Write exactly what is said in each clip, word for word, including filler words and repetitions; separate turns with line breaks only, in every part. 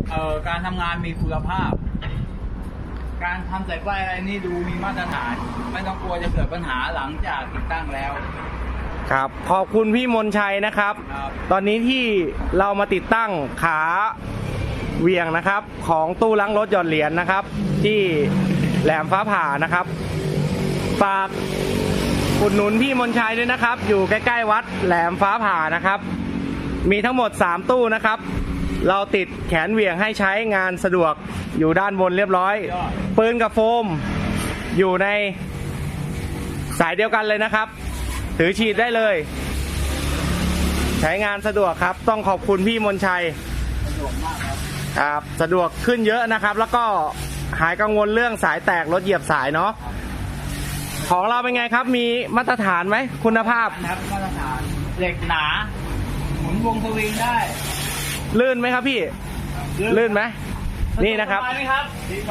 เอ่อการทำงานมีคุณภาพ การทำสายไฟอะไรนี่ดูมีมาตรฐานไม่ต้องกลัวจะเกิดปัญหาหลังจากติดตั้งแล้ว
ครับขอบคุณพี่มนชัยนะครับ
ครับ
ตอนนี้ที่เรามาติดตั้งขาเหวียงนะครับของตู้ล้างรถหยอดเหรียญนะครับ ที่แหลมฟ้าผ่านะครับฝากอุดหนุนพี่มนชัยด้วยนะครับ อยู่ใกล้ๆวัดแหลมฟ้าผ่านะครับ มีทั้งหมดสามตู้นะครับ เราติดแขนเหวี่ยงให้ใช้งานสะดวกอยู่ด้านบนเรียบร้อยปืนกับโฟมอยู่ในสายเดียวกันเลยนะครับถือฉีดได้เลยใช้งานสะดวกครับต้องขอบคุณพี่มนชัย
สะดวกมากครับ
ครับสะดวกขึ้นเยอะนะครับแล้วก็หายกังวลเรื่องสายแตกรถเหยียบสายเนาะของเราเป็นไงครับมีมาตรฐานไหมคุณภาพ
ครับมาตรฐานเหล็กหนาหมุนวงสวิงได้
ลื่นไหมครับพี่ลื่นไหมนี่นะครับ
ครับ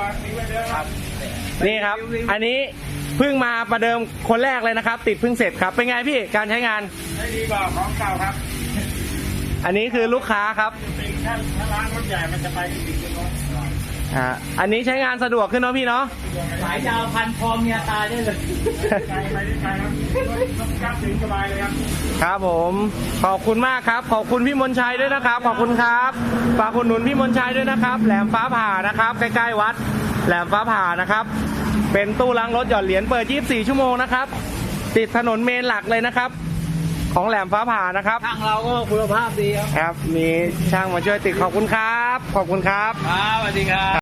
นี่ครับอันนี้เพิ่งมาประเดิมคนแรกเลยนะครับติดเพิ่งเสร็จครับเป็นไงพี่การใช้งาน
ได้ดีกว่าของเก่าครับ
อันนี้คือลูกค้าครับ
ถ้าถ้าร้านรถใหญ่มันจะไปถึงรถ
อ่าอันนี้ใช้งานสะดวกขึ้นเนาะพี่เนาะ
สายยาวพันคอเมียตายได้เลยไกลไปไกลครับกล้าถึงสบายเลยครับ
ครับผมขอบคุณมากครับขอบคุณพี่มนชัยด้วยนะครับขอบคุณครับฝากอุดหนุนพี่มนชัยด้วยนะครับแหลมฟ้าผ่านะครับใกล้ๆวัดแหลมฟ้าผ่านะครับเป็นตู้ล้างรถหยอดเหรียญเปิดยี่สิบสี่ชั่วโมงนะครับติดถนนเมนหลักเลยนะครับของแหลมฟ้าผ่านะครับ
ช่างเราก็คุณภาพดีครับ
ครับมีช่างมาช่วยติดขอบคุณครับขอบคุณครับ
ครับสวัสดีครับ